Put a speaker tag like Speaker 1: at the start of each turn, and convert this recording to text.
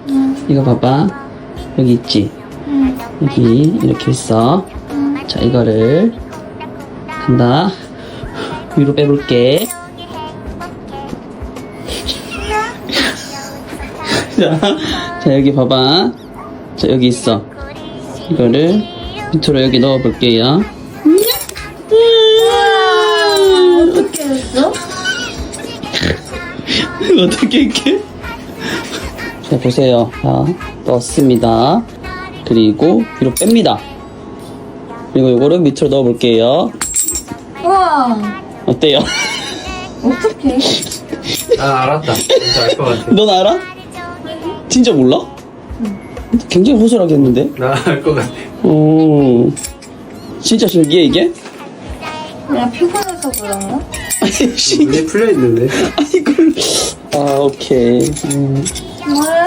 Speaker 1: 이거 봐봐. 여기 있지? 여기 이렇게 있어. 자, 이거를 간다. 위로 빼볼게. 자, 여기 봐봐. 자, 여기 있어. 이거를 밑으로 여기 넣어볼게요.
Speaker 2: 어떻게 했어?
Speaker 1: 어떻게 이렇게? 자, 보세요. 자, 넣었습니다. 그리고 위로 뺍니다. 그리고 이거를 밑으로 넣어볼게요.
Speaker 2: 우와.
Speaker 1: 어때요?
Speaker 2: 어떡해?
Speaker 3: 아, 알았다. 진짜 알 것 같아.
Speaker 1: 넌 알아? 진짜 몰라? 굉장히 호소하게 했는데?
Speaker 3: 나 알 것 같아.
Speaker 1: 오, 진짜 신기해, 이게?
Speaker 2: 내가 피곤해서 그런가?
Speaker 1: 아니,
Speaker 3: 눈이 풀려 있는데.
Speaker 1: 아이고. 아, 오케이.
Speaker 2: 뭐야?